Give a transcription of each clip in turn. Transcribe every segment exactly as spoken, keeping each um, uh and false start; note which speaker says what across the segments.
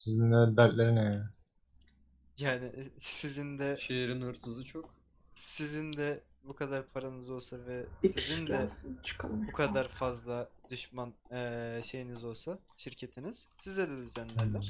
Speaker 1: Sizin de dertleri ne ya?
Speaker 2: Yani e, sizin de
Speaker 3: Şehrin hırsızı çok.
Speaker 2: sizin de bu kadar paranız olsa ve
Speaker 4: Bir kişi
Speaker 2: sizin de
Speaker 4: gelsin çıkalım.
Speaker 2: bu kadar fazla düşman eee, şeyiniz olsa, şirketiniz size de düzenlerler.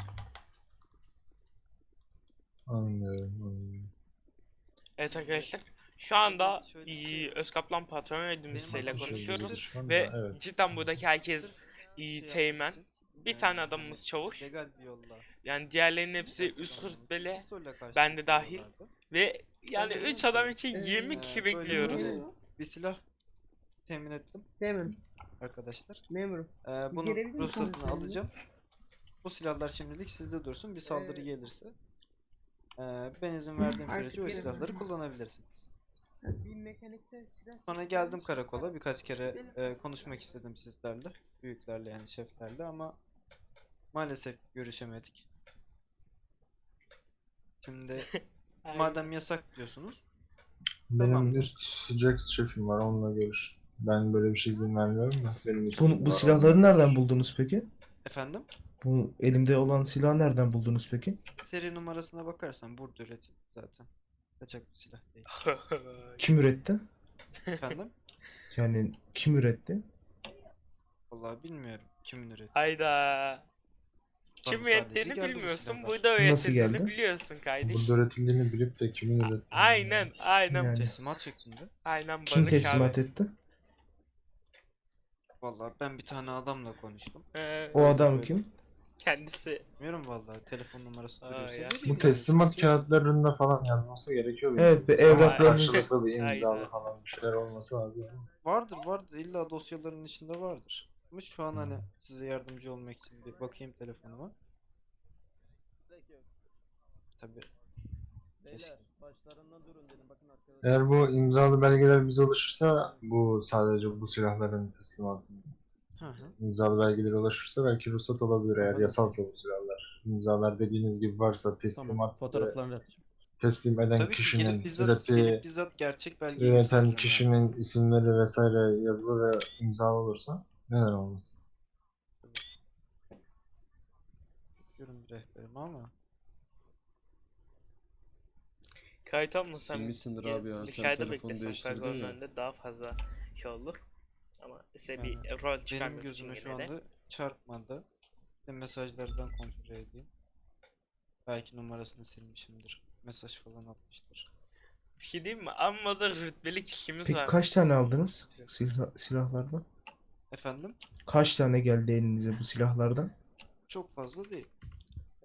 Speaker 1: Anlıyorum, anlıyorum.
Speaker 5: Evet
Speaker 2: Şimdi
Speaker 5: arkadaşlar. Şu anda
Speaker 2: şöyle bir şey
Speaker 5: iyi,
Speaker 2: var.
Speaker 5: Özkaplan patron
Speaker 2: Benim
Speaker 5: yardımcısıyla
Speaker 2: aklımda
Speaker 5: konuşuyoruz
Speaker 2: şu
Speaker 1: anda,
Speaker 5: ve
Speaker 1: evet.
Speaker 5: cidden buradaki herkes
Speaker 2: Sırf
Speaker 5: iyi
Speaker 2: şey
Speaker 5: teğmen.
Speaker 2: yapmak için,
Speaker 5: Bir
Speaker 2: eee,
Speaker 5: tane adamımız
Speaker 2: hani
Speaker 5: çavuş.
Speaker 2: legal bir yolla
Speaker 5: Yani diğerlerinin hepsi
Speaker 2: silah
Speaker 5: üst
Speaker 2: kullanmam için
Speaker 5: rütbeli.
Speaker 2: pistolle karşılık
Speaker 5: Ben de dahil.
Speaker 2: veriyorlardı.
Speaker 5: Ve yani
Speaker 2: Ben de
Speaker 5: üç
Speaker 2: dedim
Speaker 5: adam
Speaker 2: ki,
Speaker 5: için
Speaker 4: Ee,
Speaker 5: yirmi
Speaker 2: eee,
Speaker 5: kişi
Speaker 2: böyle
Speaker 5: bekliyoruz.
Speaker 2: böyle bir silah temin ettim
Speaker 4: Memurum.
Speaker 2: arkadaşlar.
Speaker 4: Memurum.
Speaker 2: Eee
Speaker 4: Bir
Speaker 2: bunun
Speaker 4: gelebilir misiniz
Speaker 2: ruhsatını
Speaker 4: benimle?
Speaker 2: alacağım. Bu silahlar şimdilik sizde dursun. Bir saldırı
Speaker 4: Ee,
Speaker 2: gelirse eee, ben izin verdiğim
Speaker 4: Artık
Speaker 2: sürece o
Speaker 4: gelelim.
Speaker 2: silahları kullanabilirsiniz.
Speaker 4: Bir mekanikten silah
Speaker 2: Sonra
Speaker 4: sesi
Speaker 2: geldim
Speaker 4: gelmiş.
Speaker 2: karakola. Birkaç kere
Speaker 4: Gidelim.
Speaker 2: eee, konuşmak istedim sizlerle. Büyüklerle yani şeflerle ama maalesef görüşemedik. Şimdi
Speaker 5: Aynen.
Speaker 2: madem yasak diyorsunuz.
Speaker 1: Benim
Speaker 2: Tamamdır.
Speaker 1: üst Jax şefim var, onunla görüş. Ben böyle bir şey izin vermiyorum da. Benim
Speaker 6: Bu,
Speaker 1: üstümde
Speaker 6: bu
Speaker 1: var,
Speaker 6: silahları
Speaker 1: onunla
Speaker 6: nereden
Speaker 1: görüş.
Speaker 6: buldunuz peki?
Speaker 2: Efendim?
Speaker 6: Bu elimde olan silahı nereden buldunuz peki?
Speaker 2: Seri numarasına bakarsan burada üretildi zaten. Kaçak bir silah değil.
Speaker 6: Kim üretti?
Speaker 2: Efendim?
Speaker 6: Yani kim üretti?
Speaker 2: Vallahi bilmiyorum kimin ürettiğini.
Speaker 5: Hayda. Kim
Speaker 2: Bana sadece
Speaker 5: ürettiğini
Speaker 2: geldi bu
Speaker 5: bilmiyorsun.
Speaker 2: silahlar.
Speaker 5: Burada
Speaker 6: Nasıl
Speaker 5: üretildiğini
Speaker 6: geldi?
Speaker 5: biliyorsun kardeş.
Speaker 1: Burada üretildiğini bilip de kimin ürettiğini
Speaker 5: Aynen, aynen.
Speaker 6: Yani
Speaker 2: Teslimat şeklinde.
Speaker 5: Aynen
Speaker 6: kim
Speaker 5: Barış
Speaker 6: teslimat
Speaker 5: abi.
Speaker 6: etti?
Speaker 2: Vallahi ben bir tane adamla konuştum.
Speaker 5: Ee,
Speaker 6: O adam
Speaker 2: böyle.
Speaker 6: kim?
Speaker 5: kendisi.
Speaker 2: Bilmiyorum vallahi telefon numarası
Speaker 5: Aa,
Speaker 2: duruyorsa
Speaker 5: ya.
Speaker 2: vereyim
Speaker 1: Bu
Speaker 2: yani.
Speaker 1: teslimat kağıtlarında falan yazması gerekiyor. benim.
Speaker 6: Evet, bir
Speaker 1: Ama
Speaker 6: evraklarınız.
Speaker 1: karşılıklı bir imzalı
Speaker 5: Aynen.
Speaker 1: falan bir şeyler olması lazım.
Speaker 2: Vardır vardır illa dosyaların içinde vardır. Ama şu an hani
Speaker 1: Hmm.
Speaker 2: size yardımcı olmak için bir bakayım telefonuma. Tabii. Keşke.
Speaker 3: başlarından durun dedim. Bakın arkadaşlar.
Speaker 1: Eğer bu imzalı belgeler bize ulaşırsa, bu sadece bu silahların teslimatı
Speaker 2: Hı hı.
Speaker 1: imzalı belgeler ulaşırsa belki ruhsat olabilir eğer
Speaker 3: Anladım.
Speaker 1: yasalsa bu silahlar. İmzalar dediğiniz gibi varsa
Speaker 3: Tamam.
Speaker 1: teslimat ve
Speaker 3: Fotoğraflarını atacağım.
Speaker 1: teslim eden
Speaker 2: Tabii ki
Speaker 1: kişinin
Speaker 2: gelip bizzat,
Speaker 1: üreti,
Speaker 2: gelip bizzat gerçek belgeyi
Speaker 1: üreten
Speaker 2: gösteririm yani.
Speaker 1: kişinin isimleri vesaire yazılı ve imzalı olursa neden olmasın?
Speaker 2: Bakıyorum bir rehberime ama.
Speaker 5: Kayıt almasam
Speaker 3: Silmişsindir
Speaker 5: gel-
Speaker 3: abi ya, sen
Speaker 5: dışarıda
Speaker 3: telefonu
Speaker 5: beklesem
Speaker 3: değiştirdin
Speaker 5: karakolun
Speaker 3: ya.
Speaker 5: önünde daha fazla şey olur. Ama size bir
Speaker 2: Yani
Speaker 5: rol
Speaker 2: Benim
Speaker 5: çıkarmak için
Speaker 2: gözüme şu
Speaker 5: yine de.
Speaker 2: anda çarpmadı. Bir mesajlardan kontrol edeyim. Belki numarasını silmişimdir. Mesaj falan atmıştır.
Speaker 5: Bir şey diyeyim mi? Amma da rütbeli kişimiz
Speaker 6: Peki
Speaker 5: var.
Speaker 6: kaç tane aldınız
Speaker 5: Bizim.
Speaker 6: silah, silahlardan?
Speaker 2: Efendim?
Speaker 6: Kaç tane geldi elinize bu silahlardan?
Speaker 2: Çok fazla değil.
Speaker 5: Ee,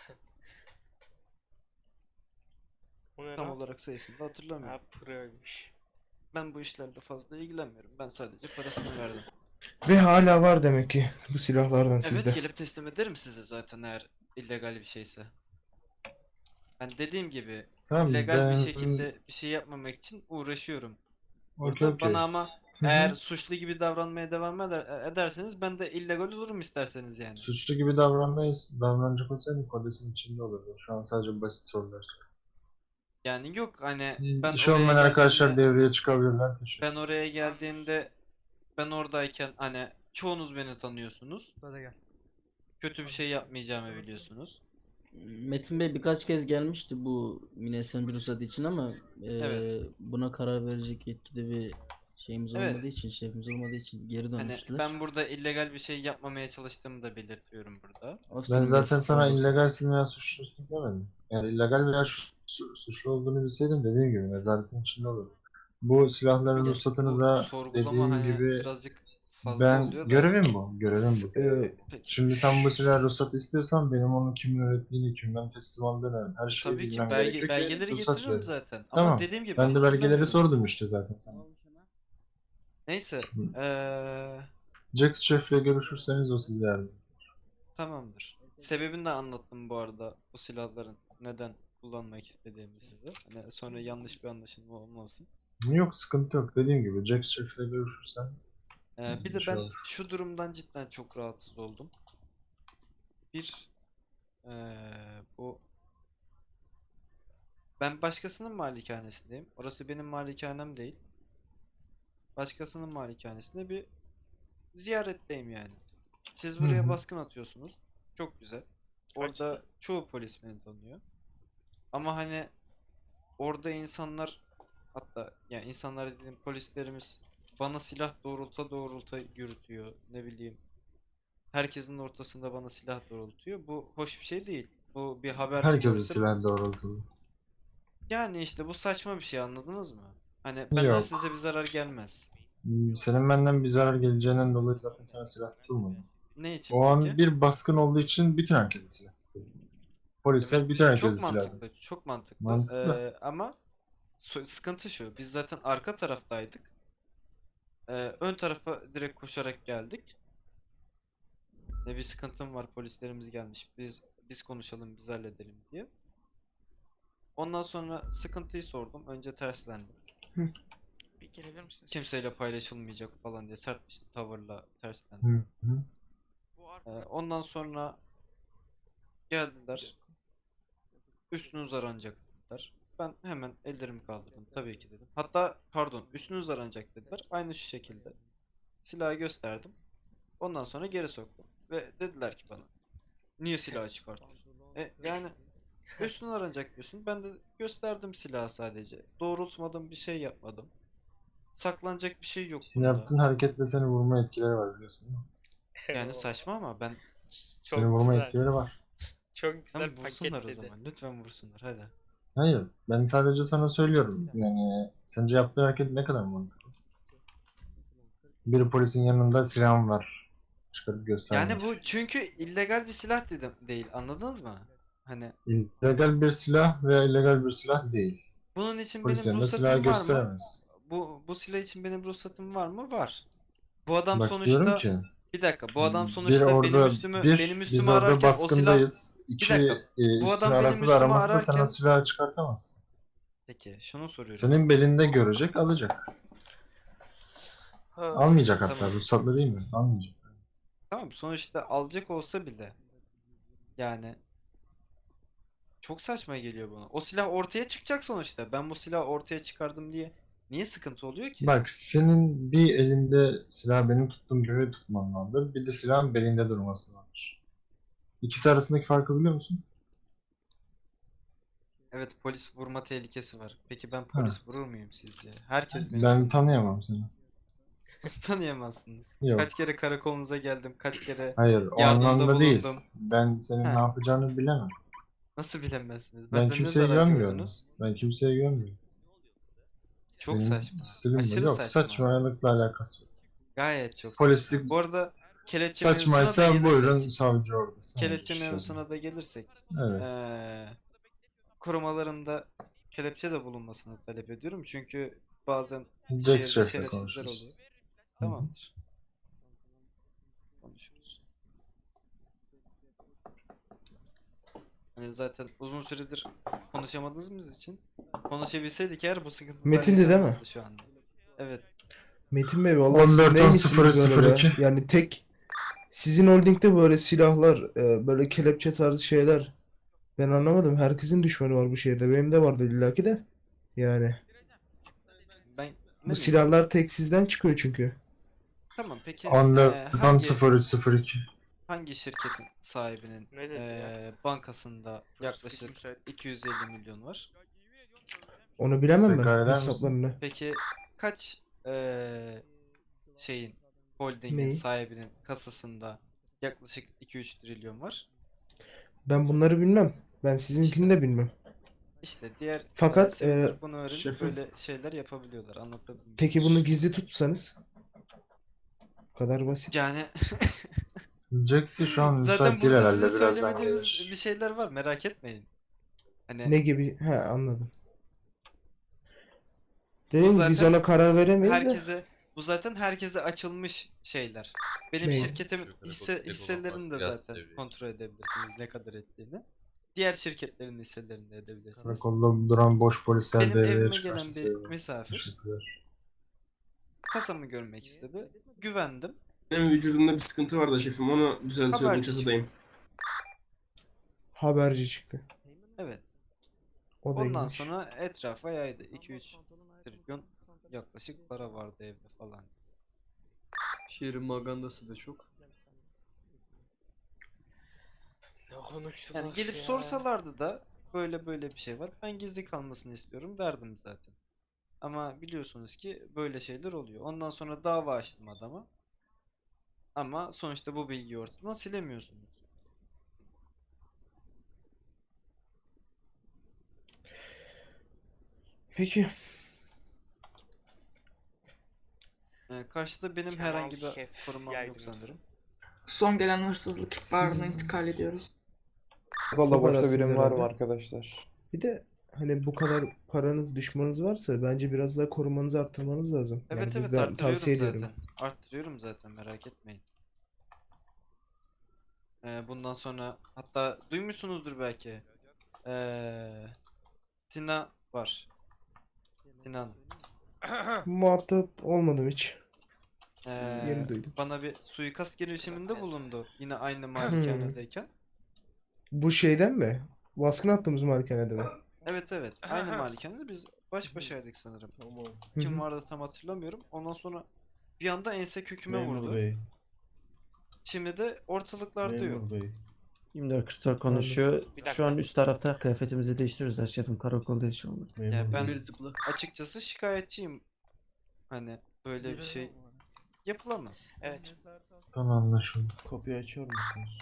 Speaker 5: O ne
Speaker 2: Tam
Speaker 5: lan?
Speaker 2: olarak sayısını da hatırlamıyorum.
Speaker 5: Ha, proymuş.
Speaker 2: Ben bu işlerle fazla ilgilenmiyorum. Ben sadece parasını verdim.
Speaker 6: Ve hala var demek ki bu silahlardan
Speaker 2: Evet,
Speaker 6: sizde.
Speaker 2: gelip teslim ederim size zaten eğer illegal bir şeyse. Ben dediğim gibi
Speaker 1: Tamam,
Speaker 2: illegal bir
Speaker 1: ben-
Speaker 2: şekilde bir şey yapmamak için uğraşıyorum.
Speaker 1: Okey,
Speaker 2: Burada
Speaker 1: okey.
Speaker 2: bana ama
Speaker 6: Hı hı.
Speaker 2: eğer suçlu gibi davranmaya devam eder, ederseniz ben de illegal olurum isterseniz yani.
Speaker 1: Suçlu gibi davranmayız. Davranacak olsaydım kodesin içinde olurdu. Şu an sadece basit sorular.
Speaker 2: Yani yok hani ben
Speaker 1: İş
Speaker 2: oraya
Speaker 1: olmayan arkadaşlar
Speaker 2: geldiğimde,
Speaker 1: devreye çıkabilirler. Teşekkür
Speaker 2: ben oraya geldiğimde ben oradayken hani çoğunuz beni tanıyorsunuz. Kötü bir şey yapmayacağımı biliyorsunuz.
Speaker 7: Metin Bey birkaç kez gelmişti bu Minesen ruhsatı için ama eee,
Speaker 2: Evet.
Speaker 7: buna karar verecek yetkide bir şeyimiz
Speaker 2: Evet.
Speaker 7: olmadığı için, şefimiz olmadığı için geri
Speaker 2: Hani
Speaker 7: dönmüştüler.
Speaker 2: ben burada illegal bir şey yapmamaya çalıştığımı da belirtiyorum burada.
Speaker 1: Ben
Speaker 7: Ofisim
Speaker 1: zaten
Speaker 7: beş,
Speaker 1: sana
Speaker 7: olsun.
Speaker 1: illegalsin veya suçlusun demedim. Yani illegal veya su- su- suçlu olduğunu bilseydim dediğim gibi nezaretin içinde olurdu. Bu silahların
Speaker 7: Bir de
Speaker 1: ruhsatını
Speaker 2: Bu
Speaker 1: da
Speaker 2: sorgulama
Speaker 1: dediğim
Speaker 2: hani
Speaker 1: gibi
Speaker 2: birazcık fazla
Speaker 1: ben
Speaker 2: oluyor da.
Speaker 1: görevim bu. Görevim bu.
Speaker 6: Ee,
Speaker 2: Peki.
Speaker 1: Şimdi sen bu silah ruhsat istiyorsan benim onu kimin ürettiğini, kimden teslim aldığını her şeyi
Speaker 2: Tabii ki
Speaker 1: bilmem
Speaker 2: belge,
Speaker 1: gerekiyor ki
Speaker 2: belgeleri
Speaker 1: ruhsat
Speaker 2: getiririm
Speaker 1: verin.
Speaker 2: zaten. Ama
Speaker 1: Tamam.
Speaker 2: dediğim gibi
Speaker 1: Ben de belgeleri
Speaker 2: hatırlamıyorum.
Speaker 1: sordum işte zaten sana.
Speaker 2: Neyse. Eee
Speaker 1: Jax Şef'le görüşürseniz o size yardım.
Speaker 2: tamamdır. Sebebini de anlattım bu arada bu silahların neden kullanmak istediğimi size. Hani sonra yanlış bir anlaşılma olmasın.
Speaker 1: Yok, sıkıntı yok. Dediğim gibi Jax Şef'le görüşürsen
Speaker 2: Eee, bir
Speaker 1: bir
Speaker 2: de
Speaker 1: şey
Speaker 2: ben
Speaker 1: olur.
Speaker 2: şu durumdan cidden çok rahatsız oldum. Bir eee, bu ben başkasının malikanesindeyim. Orası benim malikanem değil. Başkasının malikanesinde bir ziyaretteyim yani. Siz
Speaker 1: Hı
Speaker 2: buraya
Speaker 1: hı.
Speaker 2: baskın atıyorsunuz. Çok güzel. orada çoğu polis beni tanıyor. Ama hani orada insanlar, hatta yani insanlar dediğim polislerimiz bana silah doğrulta doğrulta yürütüyor. Ne bileyim. Herkesin ortasında bana silah doğrultuyor. Bu hoş bir şey değil. Bu bir haber
Speaker 1: Herkese
Speaker 2: çıkartıp
Speaker 1: silah doğrultulu.
Speaker 2: yani işte bu saçma bir şey, anladınız mı? Hani benden
Speaker 1: Yok.
Speaker 2: size bir zarar gelmez.
Speaker 1: Hmm, Senin benden bir zarar geleceğinden dolayı zaten sana silah tutulmadı.
Speaker 2: Ne için
Speaker 1: O an
Speaker 2: peki?
Speaker 1: bir baskın olduğu için bütün herkese silah tutuldu. Polisler
Speaker 2: Evet,
Speaker 1: bütün herkese
Speaker 2: çok
Speaker 1: silah tutuldu.
Speaker 2: mantıklı, çok mantıklı.
Speaker 1: Mantıklı.
Speaker 2: Ee, ama so- sıkıntı şu, biz zaten arka taraftaydık. Ee, ön tarafa direkt koşarak geldik. Ne bir sıkıntım var, polislerimiz gelmiş. Biz biz konuşalım, biz halledelim diye. Ondan sonra sıkıntıyı sordum. Önce terslendim.
Speaker 5: Bir gelebilir misiniz?
Speaker 2: Kimseyle paylaşılmayacak falan diye sert bir tavırla terslendim.
Speaker 1: Hı hı.
Speaker 2: Ee, ondan sonra geldiler. Üstünüz aranacak dediler. Ben hemen ellerimi kaldırdım. Tabii ki dedim. Hatta pardon, üstünüz aranacak dediler. Aynı şu şekilde. Silahı gösterdim. Ondan sonra geri soktum. Ve dediler ki bana, niye silahı çıkartıyorsun? E yani üstün aranacak diyorsun. Ben de gösterdim silahı sadece. Doğrultmadım, bir şey yapmadım. Saklanacak bir şey yok bunda.
Speaker 1: Yaptığın hareketle seni vurma etkileri var biliyorsun değil mi?
Speaker 2: Yani saçma ama ben
Speaker 1: Seni
Speaker 5: Çok
Speaker 1: vurma
Speaker 5: güzel.
Speaker 1: etkileri var.
Speaker 5: Çok güzel
Speaker 2: Tamam, vursunlar o
Speaker 5: paketledi.
Speaker 2: zaman. Lütfen vursunlar hadi.
Speaker 1: Hayır, ben sadece sana söylüyorum. Yani sence yaptığı hareket ne kadar mantıklı? Bir polisin yanında silahım var. Çıkarıp göstermek.
Speaker 2: Yani bu çünkü illegal bir silah dedim değil, anladınız mı? Hani
Speaker 1: illegal bir silah veya illegal bir silah değil.
Speaker 2: bunun için
Speaker 1: Polis
Speaker 2: benim
Speaker 1: yanında silahı
Speaker 2: ruhsatım var mı?
Speaker 1: gösteremez.
Speaker 2: Bu bu silah için benim ruhsatım var mı? Var. Bu adam
Speaker 1: Bak diyorum
Speaker 2: sonuçta
Speaker 1: ki
Speaker 2: bir dakika, bu adam
Speaker 1: bir
Speaker 2: sonuçta benim
Speaker 1: orada
Speaker 2: üstümü
Speaker 1: bir
Speaker 2: benim
Speaker 1: biz
Speaker 2: üstümü
Speaker 1: orada
Speaker 2: ararken o silah
Speaker 1: baskındayız.
Speaker 2: bir
Speaker 1: İki
Speaker 2: dakika.
Speaker 1: e,
Speaker 2: Bu
Speaker 1: üstün
Speaker 2: adam benim
Speaker 1: arası da
Speaker 2: üstümü
Speaker 1: araması da sen o
Speaker 2: ararken
Speaker 1: silahı çıkartamazsın.
Speaker 2: peki şunu soruyorum.
Speaker 1: Senin belinde görecek, alacak.
Speaker 5: Ha,
Speaker 1: Almayacak hatta.
Speaker 2: Tamam.
Speaker 1: Ruhsatlı değil mi? Almayacak.
Speaker 2: Tamam, sonuçta alacak olsa bile yani çok saçma geliyor bana. O silah ortaya çıkacak sonuçta. Ben bu silahı ortaya çıkardım diye niye sıkıntı oluyor ki?
Speaker 1: Bak senin bir elinde silah benim tuttuğum gibi tutman vardır. Bir de silahın belinde durması vardır. İkisi arasındaki farkı biliyor musun?
Speaker 2: Evet, polis vurma tehlikesi var. Peki ben
Speaker 1: Ha.
Speaker 2: polis vurur muyum sizce? Herkes beni
Speaker 1: Ben
Speaker 2: tanıyor.
Speaker 1: tanıyamam seni.
Speaker 2: Nasıl tanıyamazsınız?
Speaker 1: Yok.
Speaker 2: Kaç kere karakolunuza geldim, kaç kere
Speaker 1: Hayır, o
Speaker 2: yardımda
Speaker 1: anlamda değil.
Speaker 2: bulundum.
Speaker 1: Ben senin
Speaker 2: Ha.
Speaker 1: ne yapacağını bilemem.
Speaker 2: Nasıl bilemezsiniz?
Speaker 1: Ben
Speaker 2: Benden ne
Speaker 1: kimseye
Speaker 2: zarar
Speaker 1: güvenmiyorum.
Speaker 2: gördünüz?
Speaker 1: Ben kimseye güvenmiyorum.
Speaker 2: Çok
Speaker 1: Benim
Speaker 2: saçma.
Speaker 1: stilim bu.
Speaker 2: Aşırı
Speaker 1: Yok,
Speaker 2: saçma.
Speaker 1: saçmalıkla alakası yok.
Speaker 2: Gayet çok
Speaker 1: Polislik
Speaker 2: saçma. Bu arada kelepçe mevzusuna da
Speaker 1: saçmaysa
Speaker 2: gelirsek,
Speaker 1: buyurun savcı orada. savcı
Speaker 2: kelepçe
Speaker 1: işte.
Speaker 2: mevzusuna da gelirsek,
Speaker 1: Evet.
Speaker 2: eee korumalarımda kelepçe de bulunmasını talep ediyorum. Çünkü bazen
Speaker 1: Jack
Speaker 2: şehirde
Speaker 1: Sheriff'le
Speaker 2: şerefsizler
Speaker 1: konuşuruz.
Speaker 2: oluyor. Tamamdır. Konuşuruz. Hani zaten uzun süredir konuşamadığımız için konuşabilseydik eğer bu sıkıntılar
Speaker 6: Metin'di değil mi?
Speaker 2: yaşanmazdı şu anda. Evet.
Speaker 6: Metin Bey vallahi siz
Speaker 1: on dört on
Speaker 6: neymişsiniz
Speaker 1: sıfır
Speaker 6: böyle be?
Speaker 1: iki.
Speaker 6: Yani tek sizin holdingde böyle silahlar, e, böyle kelepçe tarzı şeyler. Ben anlamadım. Herkesin düşmanı var bu şehirde. Benim de vardı illaki de. Yani
Speaker 2: Ben ne
Speaker 6: bu
Speaker 2: bileyim.
Speaker 6: silahlar tek sizden çıkıyor çünkü.
Speaker 2: Tamam, peki
Speaker 1: on
Speaker 2: eee,
Speaker 1: dört on
Speaker 2: hangi
Speaker 1: sıfır üç sıfır iki.
Speaker 2: hangi şirketin sahibinin
Speaker 5: Ne dedi ya?
Speaker 2: eee, bankasında yaklaşık iki yüz elli milyon var?
Speaker 6: Onu bilemem
Speaker 1: Tekrar
Speaker 6: ben
Speaker 1: eder misin?
Speaker 6: hesaplarını.
Speaker 2: Peki kaç eee, şeyin holdingin
Speaker 6: Neyi?
Speaker 2: sahibinin kasasında yaklaşık iki üç trilyon var?
Speaker 6: Ben bunları bilmem. Ben sizinkini de bilmem.
Speaker 2: İşte diğer
Speaker 6: Fakat,
Speaker 2: eee, siviller
Speaker 6: eee,
Speaker 2: bunu öğrenip
Speaker 3: şefim.
Speaker 2: böyle şeyler yapabiliyorlar. Anlatabildim mi?
Speaker 6: Peki bunu gizli tutsanız? Bu kadar basit.
Speaker 2: Yani
Speaker 1: Jax'i şu an
Speaker 2: zaten
Speaker 1: müsait değil
Speaker 2: burada
Speaker 1: herhalde.
Speaker 2: size
Speaker 1: Birazdan
Speaker 2: söylemediğimiz
Speaker 1: gelir.
Speaker 2: bir şeyler var, merak etmeyin. Hani
Speaker 6: Ne gibi? He anladım.
Speaker 2: bu
Speaker 6: Dedim ki biz
Speaker 2: zaten
Speaker 6: ona karar veremeyiz de.
Speaker 2: herkese bu zaten herkese açılmış şeyler. Benim
Speaker 6: Ne?
Speaker 2: şirketimin hisse, hisselerini de zaten kontrol edebilirsiniz ne kadar ettiğini. Diğer şirketlerin hisselerini de edebilirsiniz.
Speaker 1: Karakolda duran boş polisler
Speaker 2: Benim
Speaker 1: devreye
Speaker 2: evime
Speaker 1: çıkarsa
Speaker 2: gelen bir
Speaker 1: seviniriz.
Speaker 2: misafir
Speaker 1: Teşekkürler.
Speaker 2: kasamı görmek istedi. Güvendim.
Speaker 3: Benim vücudumda bir sıkıntı var da şefim, onu düzeltiyordum,
Speaker 2: Haberci
Speaker 3: çatıdayım.
Speaker 6: Haberci çıktı.
Speaker 2: Evet.
Speaker 6: O da
Speaker 2: Ondan
Speaker 6: iyiymiş.
Speaker 2: sonra etrafa yaydı. iki üç trilyon yaklaşık para vardı evde falan.
Speaker 3: Şehrin magandası da çok.
Speaker 5: Ne konuştular
Speaker 2: Yani gelip
Speaker 5: ya?
Speaker 2: sorsalardı da böyle böyle bir şey var, ben gizli kalmasını istiyorum derdim zaten. Ama biliyorsunuz ki böyle şeyler oluyor. Ondan sonra dava açtım adama. Ama sonuçta bu bilgiyi ortadan silemiyorsunuz.
Speaker 6: Peki.
Speaker 2: Ee, karşıda benim
Speaker 5: Kemal
Speaker 2: herhangi bir
Speaker 5: Şef
Speaker 2: korumam yok
Speaker 5: yaydırırsın.
Speaker 2: sanırım.
Speaker 4: Son gelen hırsızlık ihbarına
Speaker 6: Siz-
Speaker 4: intikal ediyoruz.
Speaker 6: Bu
Speaker 8: Valla boşta
Speaker 6: kadarsınız
Speaker 8: birim var mı
Speaker 6: herhalde.
Speaker 8: arkadaşlar?
Speaker 6: Bir de hani bu kadar paranız, düşmanınız varsa bence biraz daha korumanızı arttırmanız lazım. Yani
Speaker 2: Evet
Speaker 6: bu
Speaker 2: evet
Speaker 6: ben
Speaker 2: arttırıyorum
Speaker 6: tavsiye
Speaker 2: zaten.
Speaker 6: ediyorum.
Speaker 2: Arttırıyorum zaten, merak etmeyin. Ee, bundan sonra hatta duymuşsunuzdur belki. Ee, Tina var. Sinan.
Speaker 6: Muhatap olmadım hiç.
Speaker 2: Ee,
Speaker 6: Yeni duydum.
Speaker 2: bana bir suikast girişiminde bulundu. Yine aynı malikanedeyken.
Speaker 6: Bu şeyden mi? Baskın attığımız malikanede mi?
Speaker 2: Evet evet. Aynı malikanede biz baş başaydık sanırım.
Speaker 6: Hı
Speaker 2: Kim
Speaker 6: hı.
Speaker 2: vardı tam hatırlamıyorum. Ondan sonra bir anda ense köküme
Speaker 9: Memur
Speaker 2: vurdu.
Speaker 9: Bey,
Speaker 2: Şimdi de ortalıklarda yok.
Speaker 9: Memur Bey.
Speaker 10: yirmi dört kırk dört konuşuyor.
Speaker 5: Bir
Speaker 10: Şu an
Speaker 5: dakika.
Speaker 10: üst tarafta kıyafetimizi değiştiriyoruz da şefim, karakolda hiç olmadı.
Speaker 9: Memur
Speaker 2: Ya ben
Speaker 9: Bey.
Speaker 2: açıkçası şikayetçiyim. Hani böyle bir şey yapılamaz.
Speaker 5: Evet.
Speaker 1: Tamam, anlaşıldı.
Speaker 9: Kapıyı açar mısınız?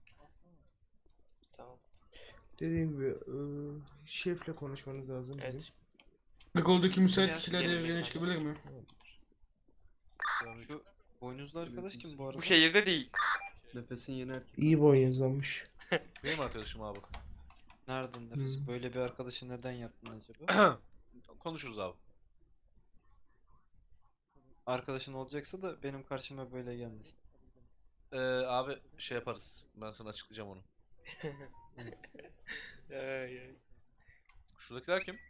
Speaker 5: Tamam.
Speaker 6: Dediğim gibi ıı, şefle konuşmanız lazım bizim.
Speaker 5: Evet.
Speaker 4: Karakoldaki müsait
Speaker 5: Biraz
Speaker 4: kişiler
Speaker 5: gelecek
Speaker 4: devreye
Speaker 5: mi?
Speaker 4: çıkabilir mi?
Speaker 2: Şu boynuzlu arkadaş kim bu arada?
Speaker 5: Bu şehirde değil.
Speaker 7: Nefesin yeni erkek.
Speaker 6: İyi boynuzlanmış.
Speaker 11: Benim arkadaşım abi.
Speaker 2: Nereden deriz?
Speaker 6: Hmm.
Speaker 2: Böyle bir arkadaşı neden yaptın acaba?
Speaker 11: Konuşuruz abi.
Speaker 2: Arkadaşın olacaksa da benim karşıma böyle gelmesin.
Speaker 11: Ee, abi şey yaparız. Ben sana açıklayacağım onu.
Speaker 5: Ay, ay.
Speaker 11: Şuradakiler kim?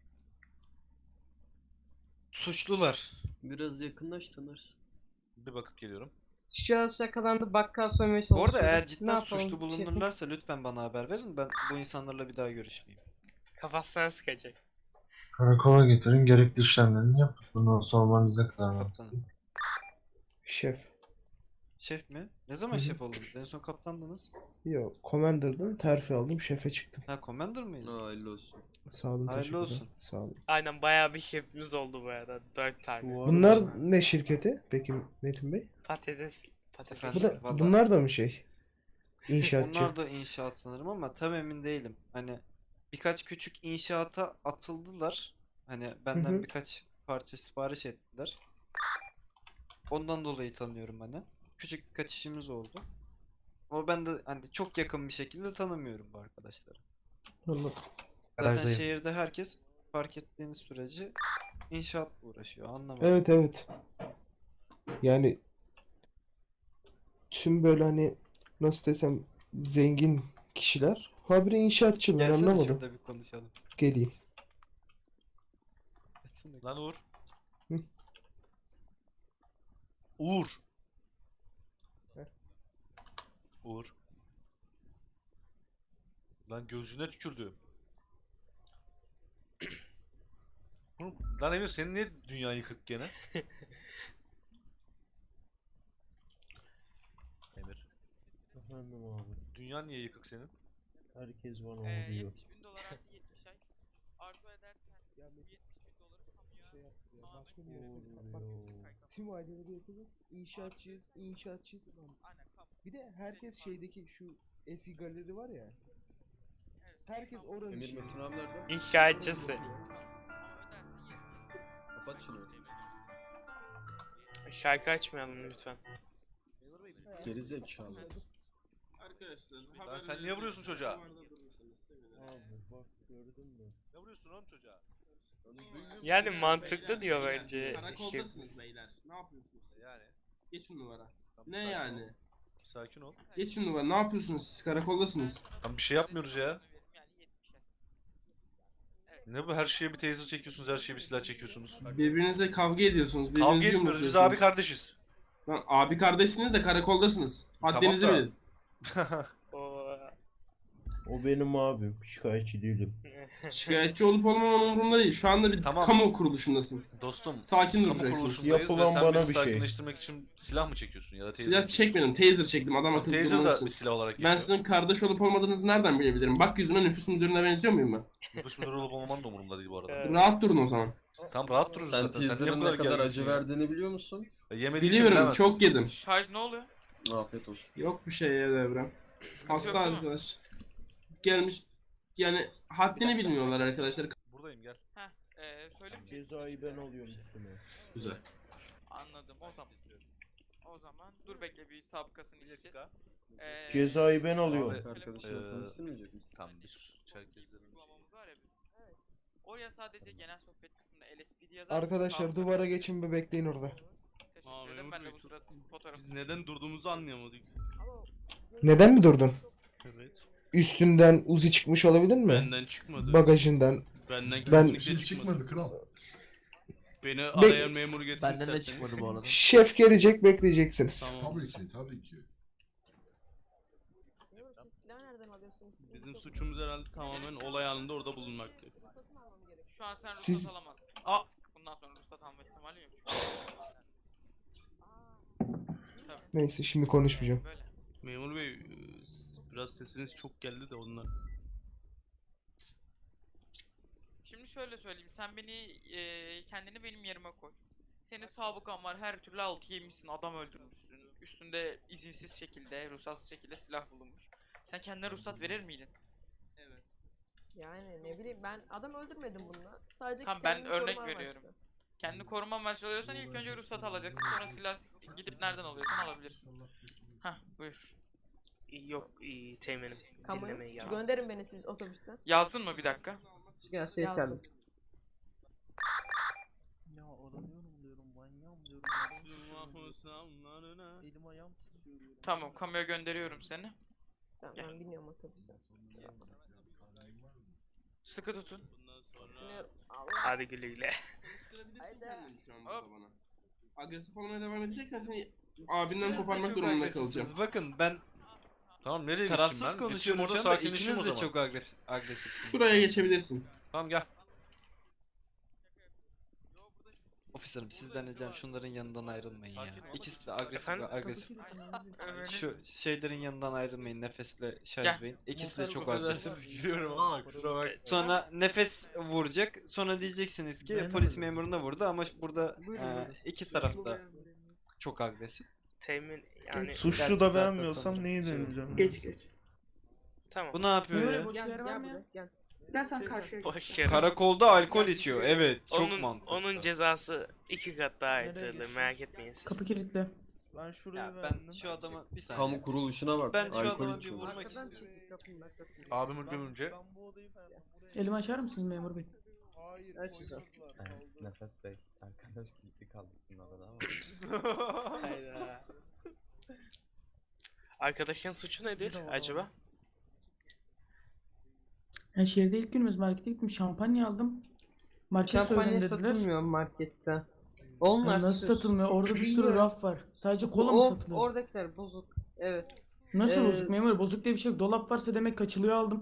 Speaker 2: Suçlular.
Speaker 7: Biraz yakınlaş tanırsın.
Speaker 11: Bir bakıp geliyorum.
Speaker 4: Şahıs yakalandı, bakkal soymaya
Speaker 2: Bu arada
Speaker 4: çalışıyordu.
Speaker 2: eğer
Speaker 4: Ne
Speaker 2: cidden
Speaker 4: yapalım?
Speaker 2: suçlu
Speaker 4: Şefim?
Speaker 2: bulunurlarsa lütfen bana haber verin. Ben bu insanlarla bir daha görüşmeyeyim.
Speaker 5: Kafasına sıkacak.
Speaker 1: Karakola getirin, gerekli işlemlerini yapın. Bunu sormanız ne kadar mantıklı.
Speaker 2: Kaptanım.
Speaker 6: Şef.
Speaker 2: Şef mi? Ne zaman
Speaker 6: Hı hı.
Speaker 2: şef oldunuz? En son kaptandınız.
Speaker 6: Yok, commander'dım, terfi aldım, şefe çıktım.
Speaker 2: Ha, commander mıydınız?
Speaker 7: Hayırlı olsun.
Speaker 6: Sağ olun,
Speaker 2: Hayırlı
Speaker 6: teşekkürler.
Speaker 2: olsun.
Speaker 6: Sağ olun.
Speaker 5: Aynen bayağı bir şefimiz oldu bu arada. Dört tane.
Speaker 6: Bunlar ne şirketi? Peki Metin Bey?
Speaker 5: Patates. Patates.
Speaker 2: Efendim?
Speaker 6: Bu da,
Speaker 2: Vallahi-
Speaker 6: bunlar da mı şey? İnşaatçı.
Speaker 2: Onlar da inşaat sanırım ama tam emin değilim. Hani birkaç küçük inşaata atıldılar. Hani benden
Speaker 6: hı.
Speaker 2: birkaç parça sipariş ettiler. Ondan dolayı tanıyorum hani. Küçük birkaç işimiz oldu. Ama ben de hani çok yakın bir şekilde tanımıyorum bu arkadaşları.
Speaker 6: Anladım.
Speaker 2: Zaten
Speaker 1: Garajdayım.
Speaker 2: şehirde herkes fark ettiğiniz sürece inşaatla uğraşıyor. Anlamadım.
Speaker 6: Evet evet. Yani tüm böyle hani nasıl desem zengin kişiler. Habire inşaatçı, ben
Speaker 2: Gelsene
Speaker 6: anlamadım.
Speaker 2: şurada bir konuşalım.
Speaker 6: Geleyim.
Speaker 11: Lan Uğur.
Speaker 6: Hı.
Speaker 11: Uğur.
Speaker 6: Heh.
Speaker 11: Uğur. Lan gözüne tükürdü. Oğlum, Lan Emir, senin niye dünya yıkık gene? Emir.
Speaker 9: Efendim abi.
Speaker 11: Dünya niye yıkık senin?
Speaker 9: Herkes bana
Speaker 5: Ee,
Speaker 9: vuruyor.
Speaker 5: yetmiş bin dolar artı yetmiş ay. Arzu edersen yetmiş bin doları kamuya
Speaker 6: Şey yaptı ya,
Speaker 5: tamamen
Speaker 6: başka bir yere
Speaker 9: Vuruyor.
Speaker 6: kapatmak. Tüm aileleri yapıyoruz. İnşaatçıyız, inşaatçıyız. Lan
Speaker 5: aynen kamu.
Speaker 6: bir de herkes şeydeki şu eski galeri var ya. Herkes oranın
Speaker 7: Emir
Speaker 6: işi.
Speaker 7: Metin abi nerede?
Speaker 5: İnşaatçısı.
Speaker 7: Kapat şunu.
Speaker 5: Şarkı açmayalım lütfen.
Speaker 7: Gerizekalı.
Speaker 3: Arkadaşlar
Speaker 11: Lan
Speaker 3: haber
Speaker 11: sen niye
Speaker 3: verecek
Speaker 11: vuruyorsun çocuğa?
Speaker 3: zamanlarda durursanız sevinirim.
Speaker 9: Abi bak gördün mü?
Speaker 11: Ne vuruyorsun oğlum çocuğa?
Speaker 5: Yani
Speaker 3: Beyler,
Speaker 5: mantıklı
Speaker 3: beyler,
Speaker 5: diyor
Speaker 3: beyler.
Speaker 5: bence
Speaker 3: Karakoldasınız
Speaker 5: şefimiz.
Speaker 3: beyler. Ne yapıyorsunuz siz?
Speaker 11: Yani.
Speaker 3: Geçin numara.
Speaker 11: Tamam,
Speaker 3: Ne
Speaker 11: sakin
Speaker 3: yani?
Speaker 11: ol. Sakin ol.
Speaker 3: Geçin numara. Ne yapıyorsunuz siz? Karakoldasınız.
Speaker 11: Tam bir şey yapmıyoruz ya. Ne bu, her şeye bir taser çekiyorsunuz, her şeye bir silah çekiyorsunuz.
Speaker 3: Birbirinizle kavga ediyorsunuz.
Speaker 11: Kavga
Speaker 3: Birbirinizi
Speaker 11: etmiyoruz, biz
Speaker 3: yumrukluyorsunuz.
Speaker 11: abi kardeşiz.
Speaker 3: Lan abi kardeşsiniz de karakoldasınız. Haddinizi
Speaker 11: da.
Speaker 3: bilin.
Speaker 5: O
Speaker 9: O benim abim. Şikayetçi değilim.
Speaker 3: Şikayetçi olup olmaman umurumda değil. Şu anda bir
Speaker 11: Tamam.
Speaker 3: kamu kuruluşundasın.
Speaker 11: Dostum.
Speaker 3: Sakin
Speaker 11: Kamu
Speaker 3: duracaksınız.
Speaker 11: kuruluşundayız
Speaker 9: Yapılan
Speaker 11: ve sen
Speaker 9: bana
Speaker 11: beni
Speaker 9: bir şey.
Speaker 11: sakinleştirmek için silah mı çekiyorsun ya da taser
Speaker 3: Silah
Speaker 11: mi
Speaker 3: çekmedim.
Speaker 11: çekiyorsun?
Speaker 3: Taser çektim. Adam akıllı
Speaker 11: Taser da
Speaker 3: durmalısın.
Speaker 11: bir silah olarak
Speaker 3: Ben
Speaker 11: geçiyor.
Speaker 3: sizin kardeş olup olmadığınızı nereden bilebilirim? Bak yüzüme nüfus müdürüne benziyor muyum ben?
Speaker 11: Nüfus müdürü olup olmaman da umurumda değil bu arada.
Speaker 5: Evet.
Speaker 3: Rahat durun o zaman.
Speaker 11: Tam rahat dururuz
Speaker 8: Sen
Speaker 11: zaten. Sen niye
Speaker 8: teaser'ın
Speaker 11: bu
Speaker 8: ne
Speaker 11: kadar
Speaker 8: kadar
Speaker 11: gerginsin
Speaker 8: acı
Speaker 11: ya?
Speaker 8: verdiğini biliyor musun?
Speaker 11: E, yemediğin için
Speaker 3: Biliyorum.
Speaker 11: bilemezsin.
Speaker 3: Çok yedim.
Speaker 5: Şarj ne oluyor?
Speaker 8: Afiyet olsun.
Speaker 3: Yok bir şey ya Devrem. Hasta
Speaker 5: yok değil mi?
Speaker 3: arkadaş. Gelmiş. Yani haddini bilmiyorlar arkadaşlar.
Speaker 11: Buradayım gel.
Speaker 5: Heh, ee, söyle mi?
Speaker 9: Cezayı ben alıyorum üstüme.
Speaker 3: Güzel.
Speaker 5: Anladım. O zaman. O zaman dur bekle bir sabıkasını isteyeceğiz. Ee,
Speaker 9: Cezayı ben alıyorum.
Speaker 11: Abi,
Speaker 8: Arkadaşına
Speaker 11: Eee,
Speaker 8: tanıştırmayacak mısın?
Speaker 11: Tam bir sus. Çerkezlerin bir şey.
Speaker 5: uygulamamız var ya bizim. Oraya sadece genel sohbet kısmında L S P D yazar.
Speaker 6: Arkadaşlar
Speaker 5: Sabıka-
Speaker 6: duvara geçin ve bekleyin orada.
Speaker 5: Teşekkür ederim. Ben de bu sırada fotoğraf.
Speaker 9: Biz neden durduğumuzu anlayamadık.
Speaker 6: Neden mi durdun?
Speaker 9: Evet.
Speaker 6: Üstünden Uzi çıkmış olabilir mi?
Speaker 9: Benden çıkmadı.
Speaker 6: Bagajından.
Speaker 9: Benden
Speaker 6: Ben-
Speaker 9: kesinlikle çıkmadı.
Speaker 1: kral.
Speaker 9: Beni
Speaker 6: Be-
Speaker 9: arayan memuru getir
Speaker 8: Benden de
Speaker 9: isterseniz.
Speaker 8: çıkmadı bu arada.
Speaker 6: Şef gelecek, bekleyeceksiniz.
Speaker 9: Tamam.
Speaker 1: Tabii ki, tabii ki.
Speaker 9: Bizim suçumuz herhalde tamamen olay anında orada bulunmaktı.
Speaker 5: Şu an sen ruhsat
Speaker 6: Siz-
Speaker 5: alamazsın.
Speaker 9: Aa!
Speaker 5: Bundan sonra ruhsat alma ihtimali yok. Tabii.
Speaker 6: Neyse şimdi konuşmayacağım.
Speaker 5: Böyle.
Speaker 9: Memur bey e, s- biraz sesiniz çok geldi de ondan.
Speaker 5: Şimdi şöyle söyleyeyim. Sen beni eee kendini benim yerime koy. Senin sabıkan var. Her türlü altı yemişsin. Adam öldürmüşsün. Üstünde izinsiz şekilde, ruhsatsız şekilde silah bulunmuş. Sen kendine ruhsat verir miydin?
Speaker 3: Evet.
Speaker 4: Yani ne bileyim ben adam öldürmedim bununla. Sadece
Speaker 5: Tamam, ben
Speaker 4: kendimi
Speaker 5: örnek
Speaker 4: koruma
Speaker 5: veriyorum.
Speaker 4: amaçlı.
Speaker 5: Kendini koruma amaçlı alıyorsan ilk önce ruhsat alacaksın. Sonra silah gidip nereden alıyorsan alabilirsin. Hah, buyur.
Speaker 12: Yok iyi teğmenim.
Speaker 4: Kamu
Speaker 12: Dinlemeyi ya.
Speaker 4: gönderin beni siz otobüsten.
Speaker 5: Yazsın mı bir dakika?
Speaker 4: Gelsin yeterli.
Speaker 9: Ya aranıyorum diyorum, manyağım diyorum. Elim ayağım titriyor.
Speaker 5: Tamam, kamuya gönderiyorum seni.
Speaker 4: Tamam
Speaker 5: Gel.
Speaker 4: ben biniyorum otobüse.
Speaker 5: Sıkı tutun.
Speaker 9: Bundan sonra
Speaker 4: Biniyorum. Allah.
Speaker 12: Hadi güle güle.
Speaker 3: Gösterebilirsin
Speaker 4: Haydi.
Speaker 3: kendini şu an
Speaker 5: Hop.
Speaker 3: burada bana. Agresif olmaya devam edeceksen seni abinden koparmak durumunda kalacağım.
Speaker 2: Bakın ben
Speaker 11: Tamam nereye geçeyim ben?
Speaker 2: tarafsız
Speaker 11: Geçeyim
Speaker 2: konuşuyorum
Speaker 11: orada
Speaker 2: şu anda.
Speaker 11: sakinleşeyim
Speaker 2: İkiniz
Speaker 11: o
Speaker 2: de
Speaker 11: zaman.
Speaker 2: çok agresif, agresifsiniz.
Speaker 3: Şuraya geçebilirsin.
Speaker 11: Tamam gel.
Speaker 2: Ofiserim sizden ricam şunların yanından ayrılmayın ya.
Speaker 11: Sakin ol.
Speaker 2: İkisi de agresif
Speaker 12: Efendim?
Speaker 2: ve agresif.
Speaker 5: Evet.
Speaker 2: Şu şeylerin yanından ayrılmayın Nefes'le
Speaker 5: Gel.
Speaker 2: Şahiz Bey'in. İkisi de çok agresif.
Speaker 11: Affedersiniz gülüyorum ama kusura bakma.
Speaker 2: Sonra Nefes vuracak. Sonra diyeceksiniz ki
Speaker 8: Ben
Speaker 2: polis
Speaker 8: öyle.
Speaker 2: memuruna vurdu ama burada
Speaker 4: Buyurun,
Speaker 2: e,
Speaker 4: buyurun.
Speaker 2: iki tarafta çok agresif.
Speaker 12: Teğmen yani
Speaker 6: Suçlu
Speaker 2: Gerçi
Speaker 6: da
Speaker 2: zaten
Speaker 6: beğenmiyorsam
Speaker 2: sanırım
Speaker 6: neyi
Speaker 2: şey-
Speaker 6: deneyeceğim?
Speaker 4: Geç geç.
Speaker 12: tamam.
Speaker 2: Bu ne yapıyor ya?
Speaker 4: Gel gel buraya gel.
Speaker 13: Gel sen karşıya.
Speaker 12: Boş yer.
Speaker 2: Karakolda alkol içiyor. Evet, çok
Speaker 12: Onun
Speaker 2: mantıklı.
Speaker 12: onun cezası iki kat daha
Speaker 6: Nereye
Speaker 12: arttırılır
Speaker 6: geçiyorsun?
Speaker 12: merak etmeyin siz.
Speaker 4: Kapı kilitli.
Speaker 6: Ben şuraya
Speaker 2: Ya ben
Speaker 6: verdim.
Speaker 2: şu adama bir saniye.
Speaker 8: Kamu kuruluşuna bak.
Speaker 2: Ben şu
Speaker 8: alkol
Speaker 2: adama bir
Speaker 8: içiyorlar.
Speaker 2: vurmak
Speaker 4: Arkadan
Speaker 2: istiyorum.
Speaker 4: çekil kapının arkasını.
Speaker 11: Abim öldürünce.
Speaker 6: Ben bu odayı verdim.
Speaker 4: Elimi açar mısın memur bey?
Speaker 6: Hayır.
Speaker 4: Açacağım.
Speaker 6: koymadılar, kaldı.
Speaker 8: Nefes Bey. Arkadaş kilitli kalmışsın arada ama.
Speaker 12: Hayda. Arkadaşın suçu nedir acaba?
Speaker 13: Ya şehirde ilk günümüz markete gittim şampanya aldım. Market
Speaker 4: Şampanya
Speaker 13: soygun dediler.
Speaker 4: satılmıyor markette.
Speaker 13: Ya
Speaker 4: Onlar
Speaker 13: nasıl
Speaker 4: süs.
Speaker 13: satılmıyor? Orada bir sürü
Speaker 4: Bilmiyorum.
Speaker 13: raf var. Sadece kola mı
Speaker 4: O-
Speaker 13: satılıyor?
Speaker 4: Oradakiler bozuk. Evet.
Speaker 13: Nasıl
Speaker 4: Ee,
Speaker 13: bozuk memur? Bozuk diye bir şey yok. Dolap varsa demek kaçılıyor aldım.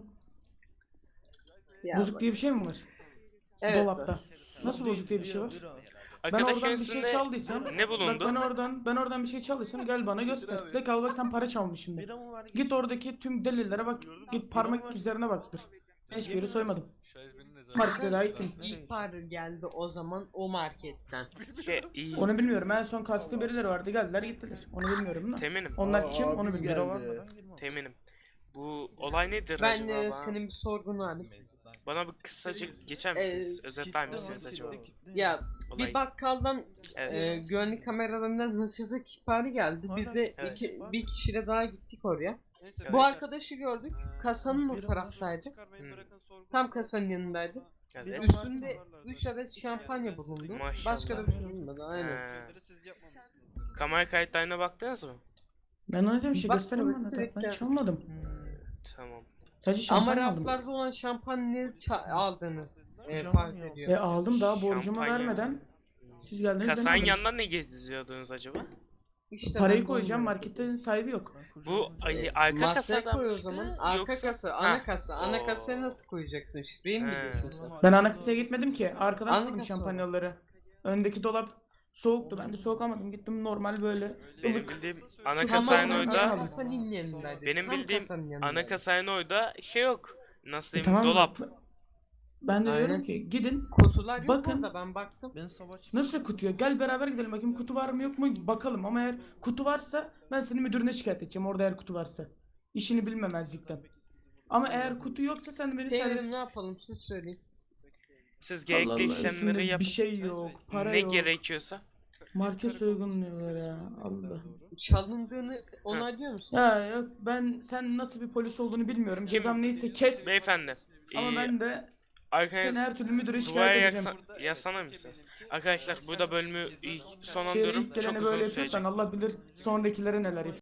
Speaker 4: Ya
Speaker 13: Bozuk
Speaker 4: bak-
Speaker 13: diye bir şey mi var?
Speaker 4: Evet,
Speaker 13: Dolapta.
Speaker 4: var.
Speaker 13: Nasıl bozuk diye bir şey var?
Speaker 6: Bir- bir-
Speaker 13: Ben
Speaker 12: Arkadaşın
Speaker 13: oradan bir şey
Speaker 12: üstünde
Speaker 13: çaldıysam,
Speaker 12: ne
Speaker 13: bak
Speaker 12: bulundu?
Speaker 13: ben oradan ben oradan bir şey çaldıysam gel bana göster. De kal bak sen para çalmışsın de.
Speaker 6: Bira mı var?
Speaker 13: Git oradaki tüm delillere bak. Git parmak izlerine baktır. Hiçbir yeri soymadım.
Speaker 11: Şahiz benim ne zaman?
Speaker 13: Markete daha ilk gün.
Speaker 4: İhbar geldi o zaman o marketten.
Speaker 12: Şey iyi.
Speaker 13: Onu bilmiyorum. En son kasklı birileri vardı. Geldiler gittiler. Onu bilmiyorum da.
Speaker 12: Teğmenim.
Speaker 13: Onlar
Speaker 9: Aa,
Speaker 13: kim
Speaker 9: abim
Speaker 13: onu
Speaker 6: Bira
Speaker 13: bilmiyorum.
Speaker 6: varmadan girmem.
Speaker 12: Teğmenim. Bu olay nedir
Speaker 4: Ben
Speaker 12: acaba?
Speaker 4: e,
Speaker 12: Bana-
Speaker 4: senin bir sorgunu aldım.
Speaker 12: Bana bir kısacık geçer
Speaker 4: Ee,
Speaker 12: misiniz? Özetler
Speaker 6: Kilitli
Speaker 12: misiniz
Speaker 6: var,
Speaker 12: acaba?
Speaker 6: kilitli, kilitli.
Speaker 4: Ya
Speaker 12: Olay.
Speaker 4: bir bakkaldan
Speaker 12: Evet.
Speaker 4: e, güvenlik kameralarından hırsızlık ihbarı geldi. Biz de
Speaker 12: Evet.
Speaker 4: iki, bir kişiyle daha gittik oraya.
Speaker 2: Neyse,
Speaker 12: Evet.
Speaker 4: Bu
Speaker 2: ben-
Speaker 4: arkadaşı gördük. Kasanın o
Speaker 6: Bira var.
Speaker 4: taraftaydı.
Speaker 2: Çıkarmayı
Speaker 12: Hı.
Speaker 2: bırakın, sorgu-
Speaker 4: Tam kasanın yanındaydı.
Speaker 12: Evet.
Speaker 4: Üstünde üç adet şampanya bulundu.
Speaker 12: Maşallah.
Speaker 4: Başka da bir şey bulunmadı. Aynen.
Speaker 12: Ha.
Speaker 2: Şeyleri siz yapmamışsınız.
Speaker 12: Kamera kayıtlarına baktınız mı?
Speaker 13: Ben öyle bir şey
Speaker 4: Bak,
Speaker 13: gösterin bana da.
Speaker 4: direkt
Speaker 13: Ben
Speaker 4: gel.
Speaker 13: çalmadım.
Speaker 12: Tamam.
Speaker 13: Sadece
Speaker 4: Ama
Speaker 13: şampanya aldım.
Speaker 4: raflarda olan şampanyayı ça- aldığını e,
Speaker 6: Hocam
Speaker 4: farz
Speaker 6: yok.
Speaker 4: ediyor.
Speaker 13: E aldım daha borcumu
Speaker 12: Şampanya.
Speaker 13: vermeden. Siz geldiniz beni
Speaker 12: Kasanın
Speaker 13: aldınız.
Speaker 12: yanından ne geziyordunuz acaba?
Speaker 14: İşte
Speaker 13: Parayı
Speaker 14: ben de
Speaker 13: koyacağım,
Speaker 14: onu merak
Speaker 13: marketin sahibi yok.
Speaker 12: Bu ay,
Speaker 14: ediyorum.
Speaker 12: arka
Speaker 14: Masaya
Speaker 12: kasada
Speaker 14: koy o
Speaker 12: mıydı
Speaker 14: zaman. Arka
Speaker 12: yoksa?
Speaker 14: kasa, ana
Speaker 12: Heh.
Speaker 14: kasa. Ana
Speaker 12: Oo.
Speaker 14: kasaya nasıl koyacaksın? Şifreyi mi
Speaker 12: He.
Speaker 14: biliyorsun sen?
Speaker 13: Ben ana kasaya gitmedim ki. Arkadan
Speaker 14: Ana
Speaker 13: koydum
Speaker 14: kasa o.
Speaker 13: şampanyaları. Öndeki dolap soğuktu. Ben de soğuk almadım. Gittim normal böyle
Speaker 12: Benim
Speaker 13: ılık.
Speaker 12: bildiğim ana
Speaker 13: Çok
Speaker 12: kasanın
Speaker 13: normal,
Speaker 12: orada
Speaker 13: normal.
Speaker 14: kasanın yanındaydı.
Speaker 12: benim
Speaker 14: Tam
Speaker 12: bildiğim
Speaker 14: kasanın
Speaker 12: ana
Speaker 14: yanındaydı.
Speaker 12: kasanın orada şey yok. Nasıl
Speaker 13: E,
Speaker 12: diyeyim?
Speaker 13: tamam mı?
Speaker 12: Dolap.
Speaker 13: Ben de diyorum
Speaker 14: Aynen.
Speaker 13: ki gidin
Speaker 14: Kutular yok
Speaker 13: Bakın.
Speaker 14: orada, ben baktım.
Speaker 13: nasıl kutuya gel beraber gidelim bakayım kutu var mı yok mu bakalım ama eğer kutu varsa ben seni müdürüne şikayet edeceğim orada eğer kutu varsa. İşini bilmemezlikten. Ama eğer kutu yoksa sen de beni
Speaker 14: Teyzerim
Speaker 13: servis...
Speaker 14: ne yapalım siz söyleyin.
Speaker 12: Siz
Speaker 13: Allah
Speaker 12: gerekli
Speaker 13: Allah,
Speaker 12: işlemleri
Speaker 13: üstünde
Speaker 12: yapın.
Speaker 13: bir şey yok, para
Speaker 12: Ne
Speaker 13: yok.
Speaker 12: gerekiyorsa.
Speaker 13: Market soygun diyorlar ya. Allah.
Speaker 14: Çalındığını onaylıyor musun?
Speaker 13: Ya yok ben sen nasıl bir polis olduğunu bilmiyorum.
Speaker 12: Kim?
Speaker 13: Cezam neyse kes.
Speaker 12: Beyefendi.
Speaker 13: Ama
Speaker 12: ee,
Speaker 13: ben de
Speaker 12: arkanız
Speaker 13: seni her türlü müdüre
Speaker 12: duvara
Speaker 13: şikayet edeceğim.
Speaker 12: yaksa, yaslanır mısınız? Arkadaşlar burada bölümü
Speaker 13: Şey,
Speaker 12: sonlandırıyorum.
Speaker 13: ilk
Speaker 12: Çok
Speaker 13: gelene
Speaker 12: uzun
Speaker 13: böyle
Speaker 12: sürecek.
Speaker 13: yapıyorsan Allah bilir sonrakilere neler yapıyor.